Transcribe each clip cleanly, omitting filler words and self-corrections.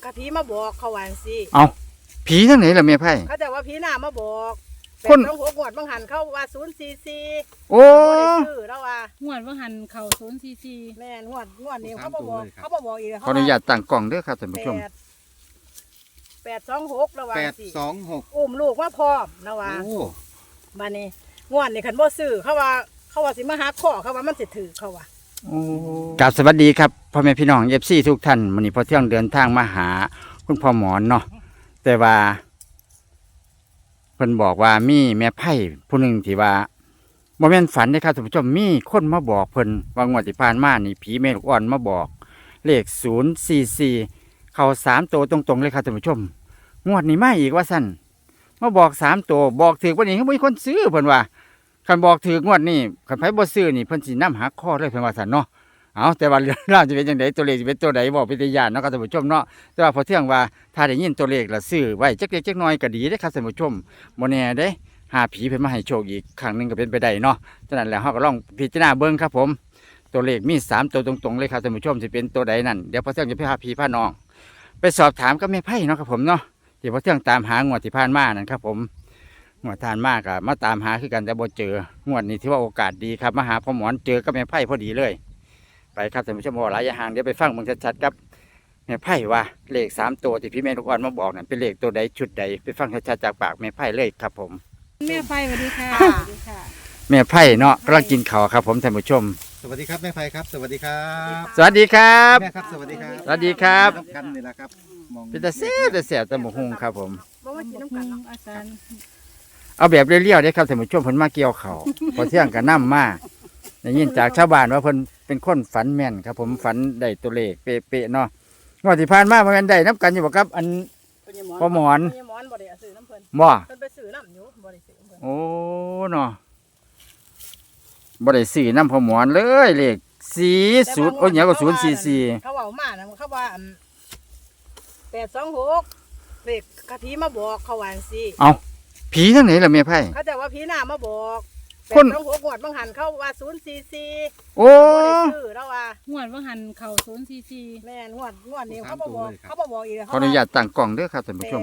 ะผีมาบอกเขาว่าสิเอาผีทั้งไหนล่ะแม่ไพ่เขาแต่ว่าผีหน้ามาบอกคนต้องหัวงวดบางหันเข้าว่า044 โอ้บ่ได้ซื้อแล้วว่างวดว่าหันเข่า044 แม่นงวดนี้เขาบ่บอกอีกขออนุญาตตั้งกล้องเด้อครับท่านผู้ชม 826แล้วว่าสิ 826 อุ้มลูกมาพร้อมแล้วว่าโอ้บัดนี้งวดนี้คันบ่ซื้อเขาว่าสิมาหาข้อเขาว่ามันสิถือเขาว่ากราบสวัสดีครับพ่อแม่พี่น้องFCทุกท่านวันนี้พอเที่ยงเดินทางมาหาคุณพ่อหมอนเนาะแต่ว่าเพิ่นบอกว่ามีแม่ไพ่ผู้หนึ่งที่ว่าบ่แม่นฝันเด้อครับท่านผู้ชมมีคนมาบอกเพิ่นว่างวดที่ผ่านมานี่ผีแม่ลูกอ่อนมาบอกเลข044เข้า3ตัวตรงๆเลยครับท่านผู้ชมงวดนี้มาอีกว่าซั่นมาบอก3ตัวบอกถูกวันนี้เขาบ่มีคนซื้อเพิ่นว่าคันบอกถูกงวดนี้คันไผบ่ซื้อนี่เพิ่นสินำหักคอเลยเพิ่นว่าซั่นเนาะเอาแต่ว่าเรื่องราวจะเป็นจังไดตัวเลขสิเป็นตัวใดบอกเป็นตาย่านเนาะครับท่านผู้ชมเนาะแต่ว่าพอเที่ยงว่าถ้าได้ยินตัวเลขแล้วซื้อไว้จักเล็กจักน้อยก็ดีเด้อครับท่านผู้ชมบ่แน่เด้หาผีเพิ่นมาให้โชคอีกครั้งหนึงก็เป็นไปได้เนาะฉะนั้นแล้วเฮาก็ลองพิจารณาเบิ่งครับผมตัวเลขมี3ตัวตรงๆเลยครับท่านผู้ชมสิเป็นตัวใดนั่นเดี๋ยวพอเที่ยงจะไปหาผีพาน้องไปสอบถามกับแม่ไพ่เนาะครับผมเนาะที่พอเที่ยงตามหางวดที่ผ่านมานั่นครับผมงวดผ่านมาก็มาตามหาคือกันแต่บ่เจองวดนี้ถือว่าโอกาสดีครับมาหาพ่อหมอนเจอกับแม่ไพ่พอดีเลยไปครับท่านผู้ชมว่าหลายอย่างเดี๋ยวไปฟังเบิ่งชัดๆครับแม่ไพ่ว่าเลข3ตัวที่พี่แม่ลูกอ่อนมาบอกนั่นเป็นเลขตัวใดชุดใดไปฟังชัดๆจากปากแม่ไพ่เลยครับผมแม่ไฟสวัสดีค่ะค่ะสวัสดีค่ะแม่ไพ่เนาะกำลังกินข้าวครับผมท่านผู้ชมสวัสดีครับแม่ไพครับสวัสดีครับสวัสดีครับแม่ครับสวัสดีครับสวัสดีครับกันนี่แหละครับมองเป็นตาแซ่บแต่แซ่บตะหมูหุงครับผมบ่มากินน้ำกันเนาะอาจารย์เอาแบบเรียวๆได้ครับท่านผู้ชมเพิ่นมาเกี่ยวเขาว พอเที่ยงก็นำมาได้ยินจากชาวบ้านว่าเพิ่นเป็นคนฝันแม่นครับ ผมฝันได้ตัวเลขเป๊ะๆเนาะงวดที่ผ่านมาบ่แม่นได้นํกันอยู่บ่ครับอัน พ่อหมอนพ่อหมอนบ่ได้เอาซื้อน้ำเพิ่นบ่เพิ่นไปซื้อน้ำอยู่บ่ได้ซื้อน้ำเพิ่นโอ้เนาะบ่ได้ซื้อน้ำพ่อหมอนเลยเลข40โอ้ยหยังก็044 เขาเว้ามานะเขาว่า826เลขกะผีมาบอกเขาว่าสิเอ้าผีทั้งไหนล่ะแม่ไพ่เขาแต่ว่าผีหน้ามาบอกคนต้องหัวงวดบางหันเข้าว่า044 โอ้บ่ได้ซื้อแล้วว่างวดว่าหันเข่า044 แม่นงวดนี้เขาบ่บอกอีกขออนุญาตตั้งกล้องเด้อครับท่านผู้ชม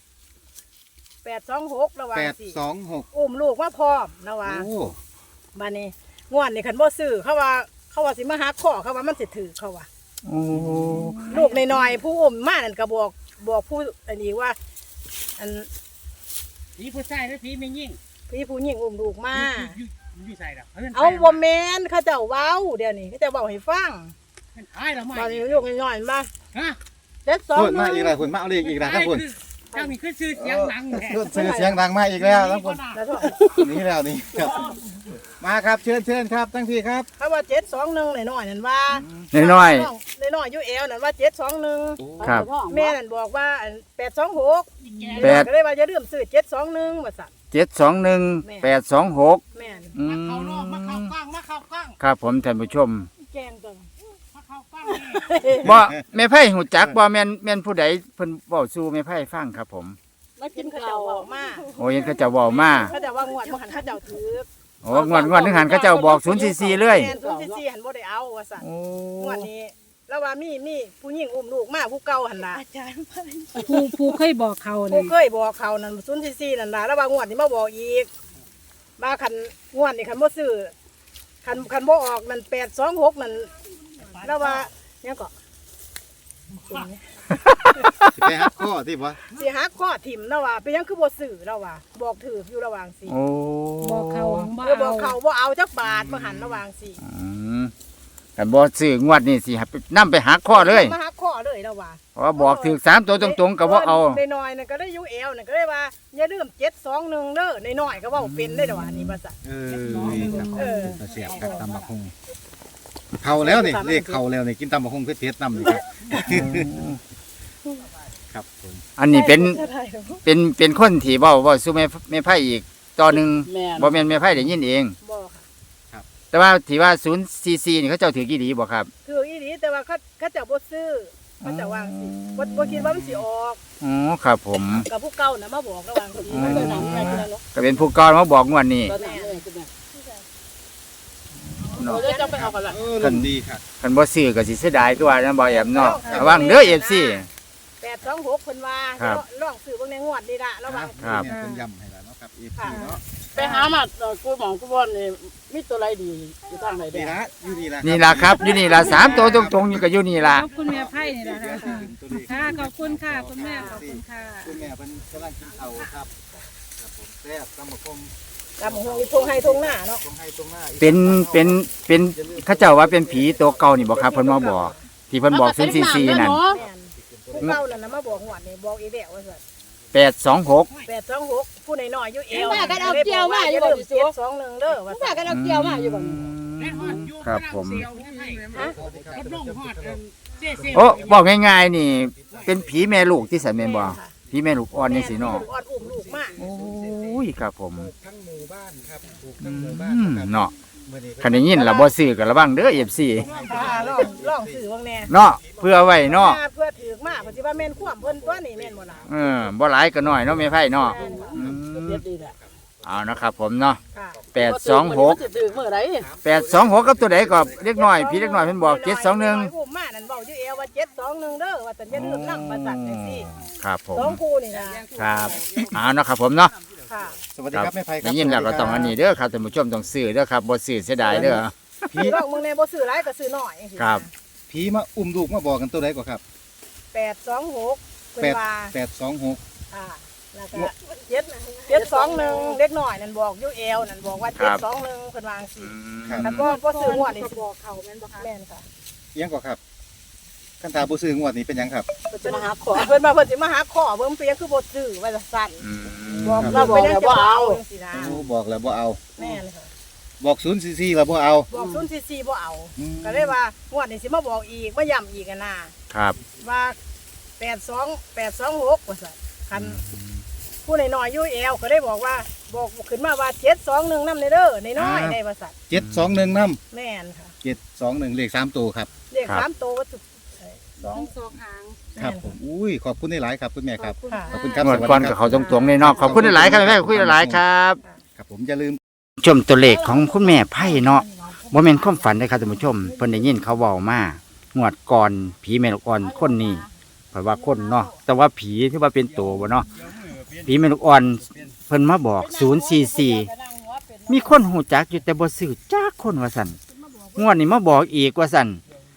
826แล้วว่าสิ 826 อุ้มลูกมาพร้อมแล้วว่าโอ้บัดนี้งวดนี้คันบ่ซื้อเขาว่าสิมาหาข้อเขาว่ามันสิถือเขาว่าโอ้ลูกน้อยๆผู้อุ้มมานั่นก็บอกผู้อันนี้ว่า อันผีผู้ชายหรือผีไม่ยิ่งพี่ผู้หญิงอุ้มลูกมาอยู่ใส่หรอเอาบ่แม่นเขาเจ้าเว้าเดี๋ยวนี้เขาเจ้าเว้าให้ฟังมันตายแล้วบัมาดนี้ลูกน้อยๆมาฮะเด็ดสองเพิ่นมาอีกแล้วคุณมาเอาเลขอีกแล้วครับคุณเจ้ามีขึ้นชื่อเสียงดังแท้ซื้อเสียงดังมาอีกแล้วครับคุณแล้วก็นี่แล้วนี่ครับมาครับเชิญครับทั้งพี่ครับเขาว่า721น้อยๆนั่นว่าน้อยน้อยๆอยู่แอวนั่นว่า721 ครับแม่นั่นบอกว่าอัน826 แปดก็เลยว่าอย่าลืมซื้อ721ว่าซั่น 721 826 แม่นอืมาเข้านอกมาเข้ากล้างมาเข้ากล้างครับผมท่านผู้ชมแกงตัวมาเข้ากล้างบ่แม่ไพ่หูจักบ่แม่นผู้ใดเพิ่นเว้าสู่แม่ไพ่ฟังครับผมมากินเขาเจ้าบอกมาโอ้ยเขาเจ้าเว้ามาเขาเจ้าว่างวดบ่หันเขาเจ้าถือโอ้งวดนึงหันเขาเจ้าบอก044เลยแม่น044หันบ่ได้เอาว่าซั่นโอ้งวดนี้แล้วว่ามีผู้หญิงอุ้มลูกมาผู้เก่าหั่นล่ะผู้เคยบอกเขาผู้เนี่ยเคยบอกเขานั่น044นั่นล่ะแล้วว่างวดนี้มาบอกอีกมาคันงวดนี้คันบ่ซื้อคันบ่ออกนั่น826นั่นแล้วว่าเนี่ยก็สิไปหักข้อที่บ่สิหักข้อถิ่มแล้วว่าเป็นหยังคือบ่ซื้อแล้วว่าบอกถืออยู่ระหว่างสิโอ้บอกเขาบ่บอกเขาบ่เอาจักบาทมาหันระหว่างสิอืมกันบ่ซื้องวดนี้สิให้ไปนำไปหักข้อเลยมาหักข้อเลยแล้วว่าเพราะว่าบอกถูก3ตัวตรงๆก็บ่เอาน้อยๆนั่นก็ได้อยู่แอวนั่นก็ได้ว่าอย่าลืม721เด้อน้อยๆก็เว้าเป็นได้ดอกอันนี้ว่าซั่นนี่ครับเออเสียบครับตำบักหุ่งเข่าแล้วนี่เลขเข่าแล้วนี่กินตำบักหุ่งเผ็ดๆนำนี่ครับครับผมอันนี้เป็นคนที่เว้าสู่แม่ไพ่อีกต่อหนึงบ่แม่นแม่ไพ่ได้ยินเองบ่ค่ะแต่ว่าที่ว่า044นี่เขาเจ้าถือกี่ดีบ่ครับคืออีหลีแต่ว่าเขาเจ้าบ่ซื้อเขาเจ้าวางสิบ่คิดว่ามันสิออกอ๋อครับผมกับผู้เก่าน่ะมาบอกระหว่างสิอืมมันเป็นหนังอะไรกันเนาะก็เป็นผู้กองมาบอกงวดนี้แม่เนาะเดี๋ยวจะไปเอากันล่ะลมดีครับคันบ่ซื้อก็สิเสียดายคือว่านะบ่แอมเนาะระวังเด้อ FC 826 826เพิ่นว่าครับลองซื้อเบิ่งในงวดนี่ล่ะระวังครับเนี่ยเป็นย้ำให้แล้วเนาะครับ EP เนาะไปหามากูหมองกูบอลนี่มีตัวไรดีอยู่ทางไหนเด้นี่ละอยู่นี่ละนี่ล่ะครับอยู่นี่ล่ะ3ตัวตรงๆอยู่ก็อยู่นี่ล่ะขอบคุณแม่ไพ่นี่แหละค่ะค่ะขอบคุณค่ะคุณแม่ขอบคุณค่ะคุณแม่เพิ่นกำลังกินข้าวครับครับผมแซ่บตำบักหุ่งตามหงอีทงให้ทงหน้าเนาะตรงให้ตรงหน้าอีกเป็นเขาเจ้าว่าเป็นผีตัวเก่านี่บ่ครับเพิ่นมาบอกที่เพิ่นบอก044นั่นแม่นผู้เก่านั่นน่ะมาบอกงวดนี่บอกอีแววว่าซั่น 826 826ผู้น้อยๆอยู่เอวว่ากันเอาเกี่ยวมาอยู่บ่ดิสู 721เด้อว่าว่ากันเอาเกี่ยวมาอยู่บ่ครับผมรถลงฮอดเจ๊เสียวโอ้บอกง่ายๆนี่ เป็นผีแม่ลูกที่สันแม่นบ่ผีแม่ลูกอ่อนจังซี่เนาะลูกอ่อนอุ้มลูกมากโอ้ยครับผมทั้งหมู่บ้านครับถูกอืทั้งหมู่บ้านมครับเนาะมื้อนี้คันได้ยินล่ะบ่ซื้อก็ระวังเด้อ FC ลองซื้อเบิ่งแน่เนาะเพื่อไว้เนาะเพื่อถือมาเพิ่นสิว่าแม่นความเพิ่นตัวนี้แม่นบ่ล่ะบ่หลายก็น้อยเนาะแม่ไผเนาะแม่นค่ะอืมเด็ดดีแหละเอานะครับผมเนาะค่ะ 826 สิถือเมื่อไร 826กับตัวใดก็เล็กน้อยพี่เล็กน้อยเพิ่นบอก721 อุ้มมานั่นเว้าอยู่เอวว่า721เด้อว่าแต่อย่าลืมนำประสัตว์จังซี่ครับผมสองคู่นี่นะครับเอาเนาะครับผมเนาะค่ะสวัสดีครับแม่ไพครัได้ยินแล้วก็ต้องอันนี้เด้อครับท่านผู้ชมต้องซื้อเด้อครับบ่ซื้อเสียดายเด้อพี่ลองมึงแน่บ่ซื้อหลายก็ซื้อน้อยจังซี่ครับผีมาอุ้มลูกมาบอกกันตัวใดกว่าครับ 826เพิ่นว่า 826 ค่ะแล้วก็721เล็กน้อยนั่นบอกอยู่เอวนั่นบอกว่า721เพิ่นว่าจังซี่ครับแต่บ่ซื้องวดนี่สิบอกเขาแม่นบ่คะแม่นค่ะเอียงกว่าครับคันตาบ่ซื้องวดนี้เป็นหยังครับเพิ่นมาหาขอเพิ่นมาเพิ่นสิมาหาขอเบิ่งเปียงคือบ่ซื้อว่าจะสั่นอืมบอกเราบอกแล้วบ่เอาจังซี่นะโอ้บอกแล้วบ่เอาแม่นค่ะบอก044แล้วบ่เอาบอก044บ่เอาอืมก็เลยว่างวดนี้สิมาบอกอีกมาย้ำอีกอะนะครับ ว่า82826ว่าซั่นคันผู้น้อยๆอยู่แอวก็ได้บอกว่าบอกขึ้นมาว่า721นำเด้อน้อยๆได้ว่าซั่น 721นำแม่นค่ะ 721เลข3ตัวครับเลข3ตัวว่าสองสองหางครับผมอุ้ยขอบคุณหลายๆครับคุณแม่ครับค่ะขอบคุณครับหมดก่อนกับเขาตรงๆเลยเนาะขอบคุณหลายๆครับแม่คุยหลายๆครับครับผมอย่าลืมชมตัวเลขของคุณแม่ไพ่เนาะบ่แม่นความฝันเลยครับท่านผู้ชมเพิ่นได้ยินเขาเว้ามางวดก่อนผีแม่ลูกอ่อนคนนี้เพราะว่าคนเนาะแต่ว่าผีที่ว่าเป็นตัวบ่เนาะผีแม่ลูกอ่อนเพิ่นมาบอก044มีคนหูจักอยู่แต่บ่ซื้อจักคนว่าซั่นงวดนี้มาบอกอีกว่าซั่น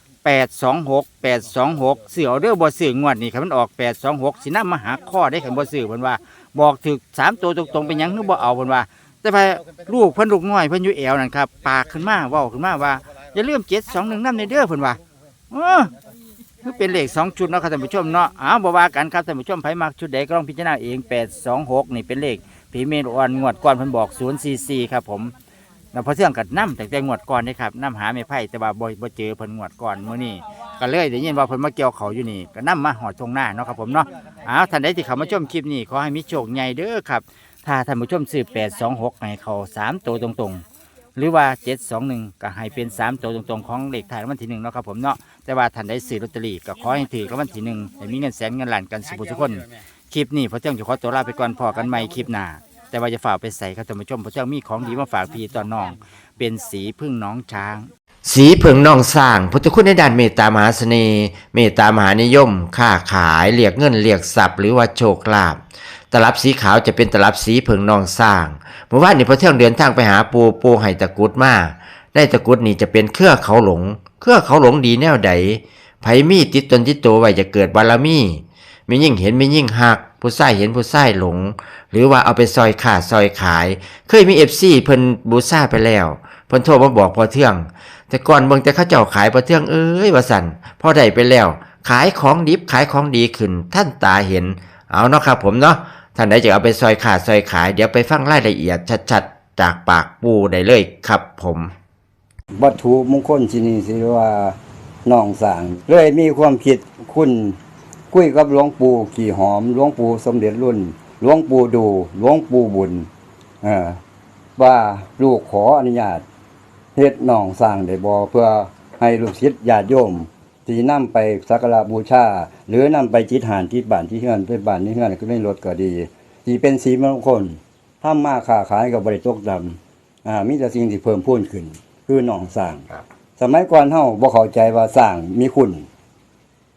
826เสือเอาเด้อบ่ซื้องวดนี้คันมันออก826สินำมาหาข้อได้คันบ่ซื้อเพิ่นว่าบอกถึก3ตัวตรงๆเป็นหยังคือบ่เอาเพิ่นว่า แต่ว่าลูกเพิ่นลูกน้อยเพิ่นอยู่แอวนั่นครับปากขึ้นมาเว้าขึ้นมาว่าอย่าลืม721นำในเด้อเพิ่นว่าคือเป็นเลข2ชุดเนาะครับท่านผู้ชมเนาะบ่ว่ากันครับท่านผู้ชมไผมักชุดใดก็ลองพิจารณาเอง826นี่เป็นเลขผีเมรอ่อนงวดก่อนเพิ่นบอก044ครับผมแล้วพอเที่ยงก็นำแต่งวดก่อนนี่ครับนำหาแม่ไผแต่ว่าบ่เจอเพิ่นงวดก่อนมื้อนี้ก็เลยได้ยินว่าเพิ่นมาเกี่ยวเขาอยู่นี่ก็นำมาหอดตรงหน้าเนาะครับผมเนาะท่านใดที่เข้ามาชมคลิปนี้ขอให้มีโชคใหญ่เด้อครับ ถ้าท่านผู้ชมซื้อ826ให้เขา3ตัวตรงๆหรือว่า721ก็ให้เป็น3ตัวตรงๆของเลขท้ายรางวัลที่1เนาะครับผมเนาะแต่ว่าท่านใดซื้อลอตเตอรี่ก็ขอให้ถือรางวัลที่1ให้มีเงินแสนเงินล้านกันสุขทุกคนคลิปนี้พอเที่ยงจะขอตัวลาไปก่อนพอกันใหม่คลิปหน้าแต่ว่าจะฝากไปใส่ครับท่านผู้ชมพอเที่ยงมีของดีมาฝากพี่ตอนน้องเป็นสีพึ่งน้องช้าง สีเผิงนองสร้างพุทธคุณในด้านเมตตามหาเสน่ห์เมตตามหานิยมค้าขายเรียกเงินเรียกทรัพย์หรือว่าโชคลาภตลับสีขาวจะเป็นตลับสีเผิงนองสร้างเมื่อวานนี้พอเที่ยงเดินทางไปหาปูไห้ตะกุดมาได้ตะกุดนี่จะเป็นเครือเขาหลงดีแนวใดไผมีติดตนติดตัวไว้จะเกิดบารมีมียิ่งเห็นมียิ่งหักผู้ใส่เห็นผู้ใส่หลงหรือว่าเอาไปซอยขาดซอยขายเคยมีFCเพิ่นบูซ่าไปแล้วเพิ่นโทรมาบอกพอเที่ยงแต่ก่อนเบิ่งแต่เขาเจ้าขายพอเที่ยงว่าสั่นพอได้ไปแล้วขายของดิบขายของดีขึ้นท่านตาเห็นเอาเนาะครับผมเนาะท่านใดจะเอาไปซอยขาดซอยขายเดี๋ยวไปฟังรายละเอียดชัดๆจากปากปูได้เลยครับผมวัตถุมงคลที่นี่สิว่าน้องสร้างเลยมีความคิดคุณคุยกับหลวงปู่ขี่หอมหลวงปู่สมเด็จรุ่นหลวงปู่ดูหลวงปู่บุญว่าลูกขออนุญาตเฮ็ดน้องสร้างได้บ่เพื่อให้ลูกศิษย์ญาติโยมที่นำไปสักการะบูชาหรือนำไปจิตหานที่บ้านที่เฮือนไปบ้านที่เฮือนก็ไม่ลดก็ดีที่เป็นสีมงคลทำมาค้าขายก็บ่ได้ตกต่ำมีแต่สิ่งที่เพิ่มพูนขึ้นคือน้องสร้างสมัยก่อนเฮาบ่เข้าใจว่าสร้างมีคุณ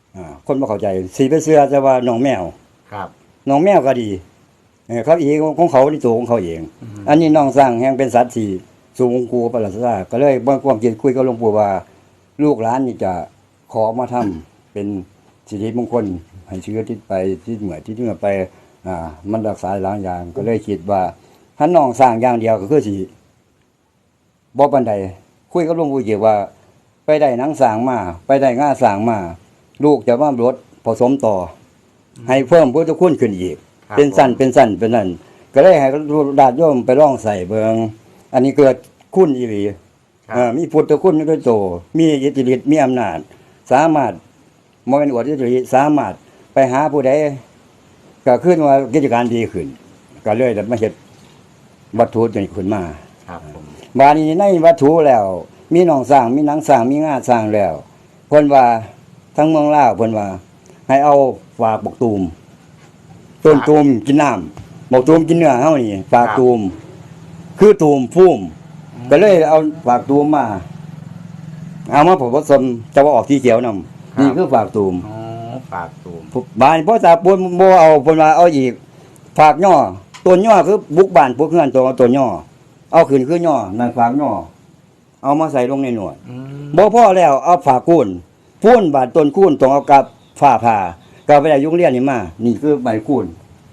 คนบ่เข้าใจสิไปเชื่อแต่ว่าน้องแมวครับน้องแมวก็ดีเขาเองของเขาในตัวของเขาเอง อันนี้น้องสร้างแห่งเป็นสัตว์ที่สูงกูประหลาดซาก็เลยบ่ความคิดคุยกับหลวงปู่ว่า ลูกหลานนี่จะขอมาทำเป็นสิริมงคลให้เชื้อที่ไปที่เหมือนที่เหนือไปมันรักษาหลายอย่างก็เลยคิดว่าถ้าน้องสร้างอย่างเดียวก็คือสิบ่ปานใดคุยกับหลวงปู่เกี่ยวว่า ไปได้หนังสร้างมาไปได้ง่าสร้างมาลูกจะมาลดผสมต่อ ให้เพิ่มพุทธคุณขึ้นอีกครับเป็นสั้นเป็นนั่นก็เลยให้ญาติโยมไปลองใส่เบิงอันนี้เกิดคุณอีหลีมีพุทธคุณด้วยโตมีอิทธิฤทธิ์มีอำนาจสามารถบ่แม่นอวดอิทธิฤทธิ์สามารถไปหาผู้ใดก็ขึ้นว่ากิจการดีขึ้นก็เลยได้มาเฮ็ดวัตถุนี้ขึ้นมาครับผมบาดนี้ในวัตถุแล้ว มีหนองสร้างมีหนังสร้างมีงาสร้างแล้วเพิ่นว่าทั้งเมืองลาวเพิ่นว่า ให้เอาฝากบักตูมต้นตูมกินน้ำบักตูมกินเนื้อเฮานี่ฝากตูมคือตูมพุ่มก็เลยเอาฝากตูมมาเอามาผสมจะว่าออกสีเขียวนำนี่คือฝากตูมอ๋อฝากตูมบ้านพ่อตาปูนบ่เอาเพิ่นว่าเอาอีกฝากย่อต้นย่อคือบุกบ้านพวกเฮือนตัวต้นย่อเอาขึ้นคือย่อนั่นฝากย่อเอามาใส่ลงในหนวดบ่พอแล้วเอาฝากกุ้นพูนบาดต้นกุ้นต้องเอากับฝ้าผ่าก็ไปได้ยุงเรียนนี่มานี่คือใบกุ้น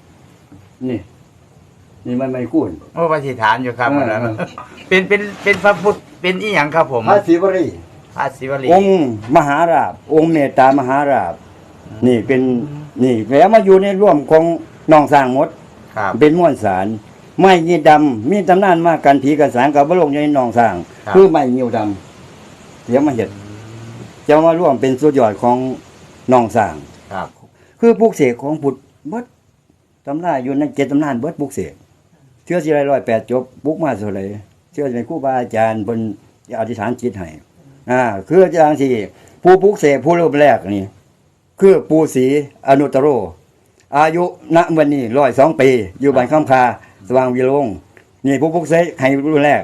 นี่มันใบกุ้นโอ้ปฏิฐานอยู่ครับเออวันนั้นเป็นพระพุทธเป็นอีหยังครับผมพระศิวรีพระศิวลีองค์มหาราชองค์เมตตามหาราชนี่เป็นนี่แล้วมาอยู่ในร่วมของน้องสร้างหมดครับเป็นม้วนสารไม้ยีดำมีตำนานมากกันผีกันสางกับบลงในหนองสร้างครับคือไม้ยิวดำเดี๋ยวมาเห็ดจะมาร่วมเป็นสุดยอดของหนองสร้างครับคือปลุกเสกของพุทธเบิดตำราอยู่ใน7ตำนานเบิดปลุกเสกเชื่อสิไร108จบปลุกมาเท่าไหร่เชื่อเป็นครูบาอาจารย์เพิ่นอธิษฐานจิตให้คืออย่างที่ผู้ปลุกเสกผู้รูปแรกนี่คือปู่ศรีอนุตตโร อายุณวันนี้102 ปีอยู่บ้านคำคาสว่างวิโรงนี่ผู้พุกเสกให้รุ่นแรก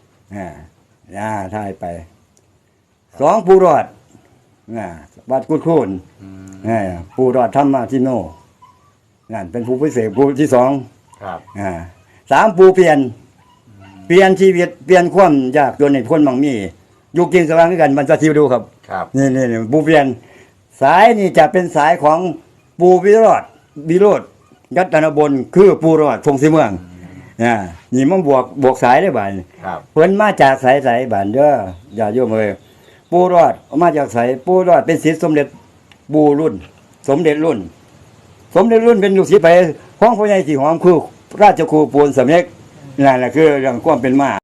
ถ่ายไป2ผู้รอดวัดกุดคูนผู้รอดธรรมทิโนนั่นเป็นผู้พิเศษผู้ที่2 ครับ 3ผู้เปลี่ยนชีวิตเปลี่ยนความยากจนให้คนมั่งมีอยู่กินสว่างด้วยกันมันจะทิวดูครับครับนี่ผู้เปลี่ยนสายนี่จะเป็นสายของปูวิโรธยัตนบลคือปูรอดทงสีเมืองนี่มันบวกสายได้บ่ายครับเพิ่นมาจากสายบ้านเด้ออย่าโยมเอ้ยปูรอดมาจากสายปูรอดเป็นศิษย์สมเด็จปูรุ่น สมเด็จรุ่นเป็นลูกศิษย์ไปของพ่อใหญ่สีหอมคือราชครูปูนสำเร็จนั่นแหละคือเรื่องความเป็นมา